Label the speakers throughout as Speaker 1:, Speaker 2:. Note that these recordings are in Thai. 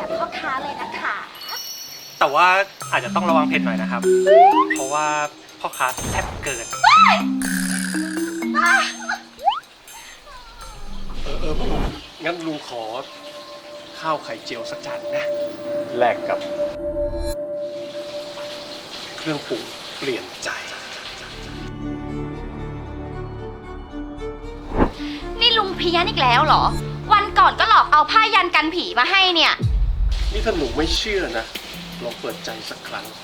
Speaker 1: แบบพ่อค้าเลยนะคะ
Speaker 2: แต่ว่าอาจจะต้องระวังเผ็ดหน่อยนะครับ เพราะว่าพ่อค้าแซ่บเกินงั้นลุงขอข้าวไข่เจียวสักจานนะแลกกับเครื่องปรุงเปลี่ยนใจ
Speaker 1: นี่ลุงเพี้ยนอีกแล้วเหรอ วันก่อนก็หลอกเอาผ้ายันกันผีมาให้เนี่ย
Speaker 2: นี่ถ้าหนูไม่เชื่อนะลองเปิดใจสักครั้ง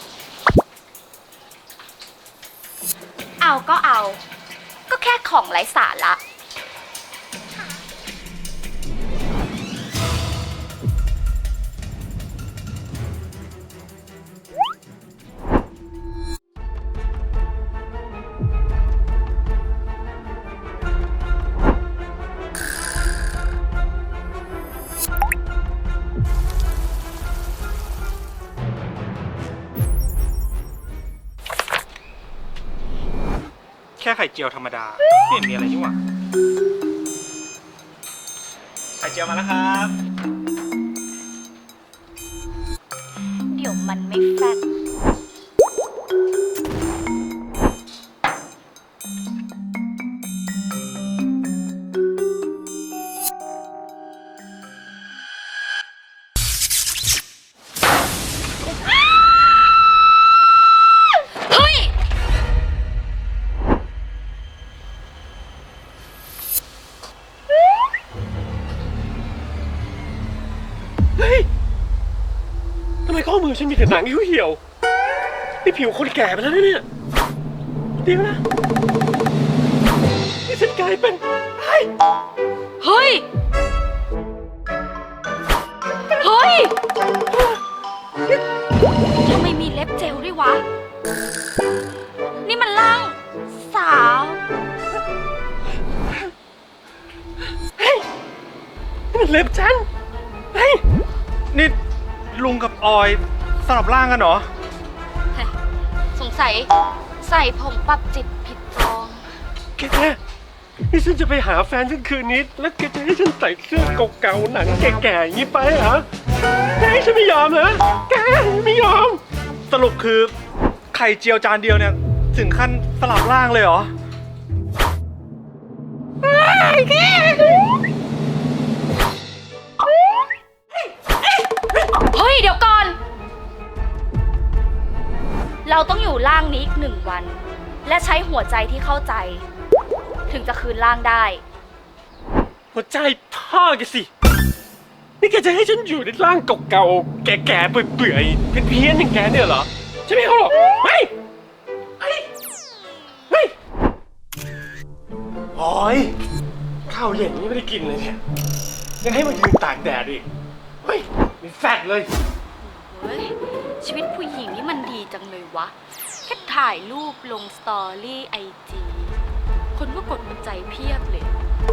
Speaker 1: เอาก็เอา ก็แค่ของไร้สาระ
Speaker 2: แค่ไข่เจียวธรรมดาไม่เห็นมีอะไรนี่หว่าไข่เจียวมาแล้วครับ
Speaker 1: เดี๋ยวมันไม่แฟตเฮ้ย
Speaker 2: เฮ้ยทำไมข้อมือฉันมีแต่หนังเหี่ยวๆนี่ผิวคนแก่ไปแล้วเนี่ยเดี๋ยวนะนี่ฉันกลายเป็นไอ้
Speaker 1: เฮ้ย เฮ้ย ทำไมมีเล็บเจลด้วยวะ นี่มันร่างสาว
Speaker 2: นี่มันเล็บฉันเฮ้ยนี่ลุงกับออยสลับร่างกันเหรอ
Speaker 1: สงสัยใส่ผงปรับจิตผิดจอง
Speaker 2: แกนี่ฉันจะไปหาแฟนฉันคืนนี้แล้วแกจะให้ฉันใส่เสื้อเก่าๆหนังแก่ๆอย่างนี้ไปเหรอแกให้ฉันไม่ยอมเหรอแกไม่ยอมสรุปคือไข่เจียวจานเดียวเนี่ยถึงขั้นสลับร่างเลยเหรอ
Speaker 1: เฮ้ย เดี๋ยวก่อน เราต้องอยู่ร่างนี้อีก1 วัน และใช้หัวใจที่เข้าใจ ถึงจะคืนร่างได้
Speaker 2: หัวใจพ่อแกสินี่แกจะให้ฉันอยู่ในร่างเก่าๆแก่ๆเปื่อยๆเพี้ยนๆอย่างแกเนี่ยเหรอฉันไม่เอาหรอกไม่โอ้ยข้าวเย็นนี่ไม่ได้กินเลยเนี่ยยังให้มายืนตากแดดอีกเฮ้ยมีแฟตเลย
Speaker 1: เฮ้ย ชีวิตผู้หญิงนี่มันดีจังเลยวะ แค่ถ่ายรูปลงสตอรี่IG คนก็กดหัวใจเพียบเลย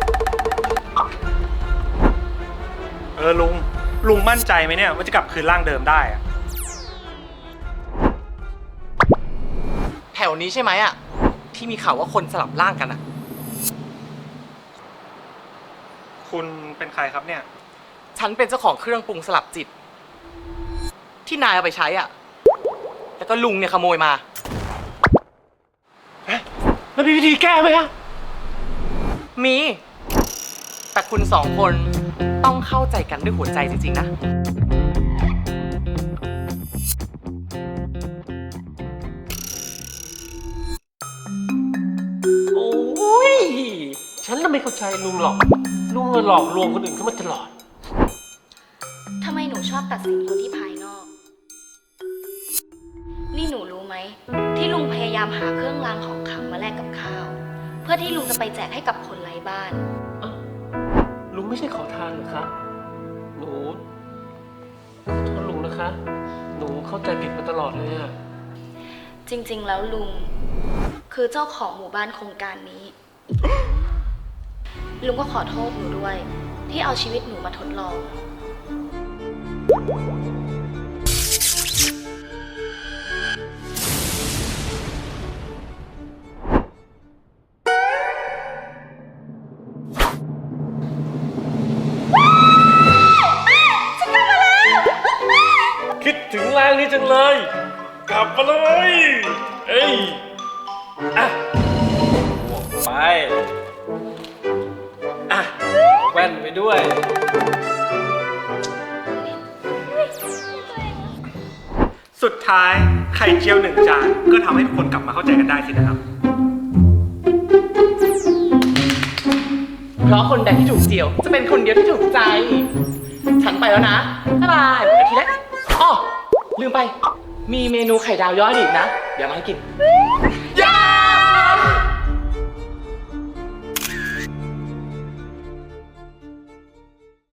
Speaker 2: ลุงมั่นใจไหมเนี่ยว่าจะกลับคืนร่างเดิมได้อะ
Speaker 3: แถวนี้ใช่ไหมอ่ะที่มีข่าวว่าคนสลับร่างกันอ่ะ
Speaker 2: คุณเป็นใครครับเนี่ย
Speaker 3: ฉันเป็นเจ้าของเครื่องปรุงสลับจิต ที่นายเอาไปใช้อ่ะแล้วก็ลุงเนี่ยขโมยมา
Speaker 2: แล้วมีวิธีแก้ไหมอะ
Speaker 3: มี แต่คุณ2 คนต้องเข้าใจกันด้วยหัวใจจริงๆนะ
Speaker 2: โอ้ยฉันน่ะไม่เข้าใจลุงหรอกลุงหลอกลวงคนอื่นเข้ามาตลอด
Speaker 1: ทำไมหนูชอบตัดสินคนที่ภายนอก นี่หนูรู้ไหม ที่ลุงพยายามหาเครื่องรางของขลังมาแลกกับข้าว เพื่อที่ลุงจะไปแจกให้กับคนไร้บ้าน
Speaker 2: ลุงไม่ใช่ขอทานหรอคะหนูขอโทษลุงนะคะ หนูเข้าใจผิดมาตลอดเลยอะ
Speaker 1: จริงๆ แล้วลุงคือเจ้าของหมู่บ้านโครงการนี้ ลุงก็ขอโทษหนูด้วย ที่เอาชีวิตหนูมาทดลอง
Speaker 2: จังเลย กลับมาเลยเอ้ยอ่ะบวกไปอ่ะแว่นไปด้วย สุดท้ายไข่เจียวหนึ่งจานก็ทำให้ทุกคนกลับมาเข้าใจกันได้สินะครับ
Speaker 3: เพราะคนใดที่ถูกเจียว จะเป็นคนเดียวที่ถูกใจ ฉันไปแล้วนะ บ๊ายบายอาทิตย์แรกอ๋อลืมไป มีเมนูไข่ดาวย้อยอีกนะ เดี๋ยวมาให้กิน